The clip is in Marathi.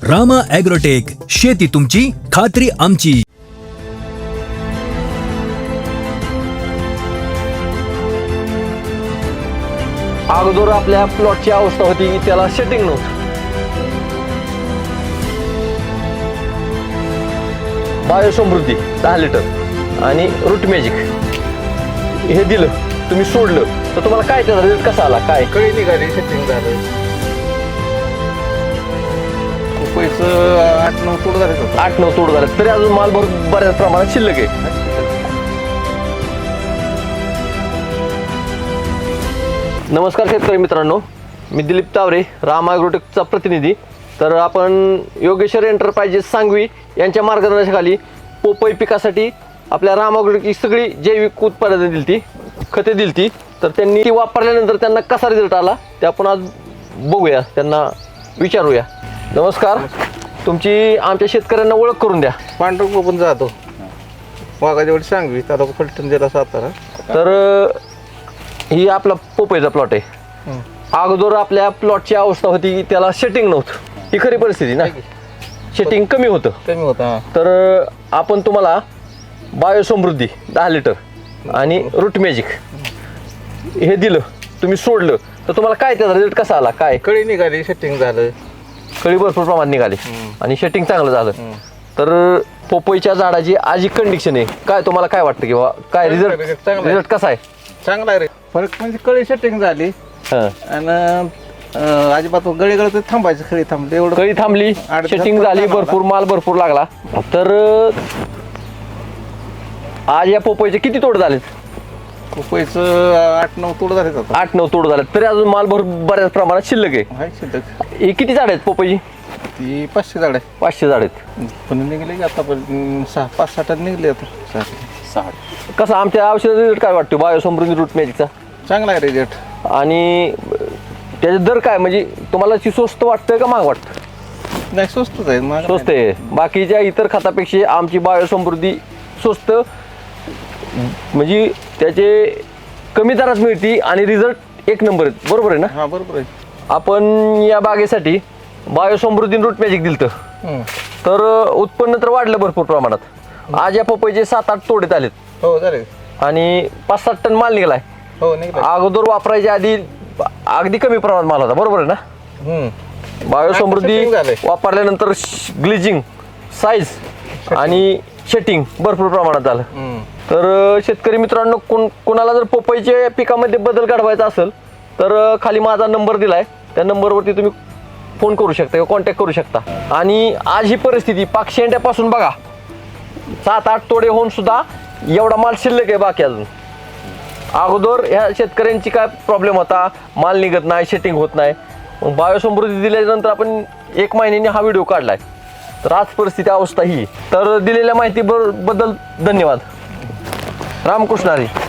रामा ॲग्रोटेक, शेती तुमची, खात्री आमची. अगोदर आपल्या प्लॉटची अवस्था होती की त्याला सेटिंग नव्हतं. बायोसमृद्धी 10 लिटर आणि रूट मॅजिक हे दिलं, तुम्ही सोडलं तर तुम्हाला काय त्याचा रिझल्ट कसा आला? काय कळी निघाली, सेटिंग झालं. रुपयाचं 8-9 तोड झाले होतं. 8-9 तोड झाले तरी अजून माल बऱ्याच प्रमाणात शिल्लक आहे. नमस्कार शेतकरी मित्रांनो, मी दिलीप तावरे, रामा ॲग्रोटेकचा प्रतिनिधी. तर आपण योगेश्वर एंटरप्राइजेस सांगवी यांच्या मार्गदर्शनाखाली पोपई पिकासाठी आपल्या रामा ॲग्रोटेकची सगळी जैविक उत्पादने दिलती, खते दिलती. तर त्यांनी ती वापरल्यानंतर त्यांना कसा रिझल्ट आला ते आपण आज बघूया, त्यांना विचारूया. नमस्कार, तुमची आमच्या शेतकऱ्यांना ओळख करून द्या. पांढरं कोकण जातो वाघाजवळ सांगवी, आता फलटण जिल्हा सातारा. तर ही आपला पोपईचा प्लॉट आहे. अगोदर आपल्या प्लॉटची अवस्था होती की त्याला सेटिंग नव्हतं. ही खरी परिस्थिती ना, सेटिंग कमी होतं. कमी होता. तर आपण तुम्हाला बायोसमृद्धी 10 लिटर आणि रूट मॅजिक हे दिलं, तुम्ही सोडलं तर तुम्हाला काय त्याचा रिझल्ट कसा आला? काय कळी निघाली, सेटिंग झालं. कळी भरपूर प्रमाणात निघाली आणि सेटिंग चांगलं झालं. तर पोपईच्या झाडाची आज ही कंडिशन आहे, काय तुम्हाला काय वाटतं किंवा काय चांगलं आहे, चांगलं आहे. रिझल्ट कसा आहे? चांगला आहे रे. फरक म्हणजे कळी सेटिंग झाली हां, आणि अजिबात गळी गळत थांबायचं, खळी थांबली एवढं. कळी थांबली, 8 दिवसात सेटिंग झाली, चांगला भरपूर माल भरपूर लागला. तर आज या पोपईचे किती तोड झालेत? रुपयाचं 8-9 तोड झाले होतं. 8-9 तोड झालेत तरी अजून माल बऱ्याच प्रमाणात शिल्लक आहे. हाय शिल्लक. ही किती झाड आहेत पोपईची? ती 500 झाड आहे. 500 झाड आहेत. पण निघले की आता 5-6 टन निघले आता. 6. कसं आमच्या औषध रिझल्ट काय वाटतो बायोसमृद्धी रूट मॅजिकचा? चांगला आहे रिझल्ट. आणि त्याचे दर काय, म्हणजे तुम्हाला ती स्वस्त वाटतंय का महाग वाटतं? नाही, स्वस्तच आहे. महाग स्वस्त आहे. बाकीच्या इतर खतापेक्षा आमची बायोसमृद्धी स्वस्त, म्हणजे त्याचे कमी दरात मिळते आणि रिझल्ट एक नंबर आहेत. बरोबर आहे ना? हा, बरोबर आहे. आपण या बागेसाठी बायोसमृद्धी रूट मॅजिक दिलं, तर उत्पन्न तर वाढलं भरपूर प्रमाणात. आज या पपईचे 7-8 तोडे आलेत हो झाले. आणि 5-7 टन माल निघालाय. हो निघले. अगोदर वापरायच्या आधी अगदी कमी प्रमाणात माल होता. बरोबर आहे ना? बायोसमृद्धी setting झालंय. वापरल्यानंतर ग्लिजिंग, साईज आणि शेटिंग भरपूर प्रमाणात झालं. तर शेतकरी मित्रांनो, कोणाला जर पोपईच्या पिकामध्ये बदल घडवायचा असेल तर खाली माझा नंबर दिलाय, त्या नंबरवरती तुम्ही फोन करू शकता किंवा कॉन्टॅक्ट करू शकता. आणि आज ही परिस्थिती पाक शेंड्यापासून बघा, 7-8 तोडे होऊन सुद्धा एवढा माल शिल्लक आहे बाकी अजून. अगोदर ह्या शेतकऱ्यांची काय प्रॉब्लेम होता, माल निघत नाही, सेटिंग होत नाही. मग बायोसमृद्धी दिल्यानंतर आपण 1 महिन्याने हा व्हिडिओ काढलाय. तर आज परिस्थिती अवस्था ही. तर दिलेल्या माहितीबद्दल धन्यवाद. रामकृष्ण हरी.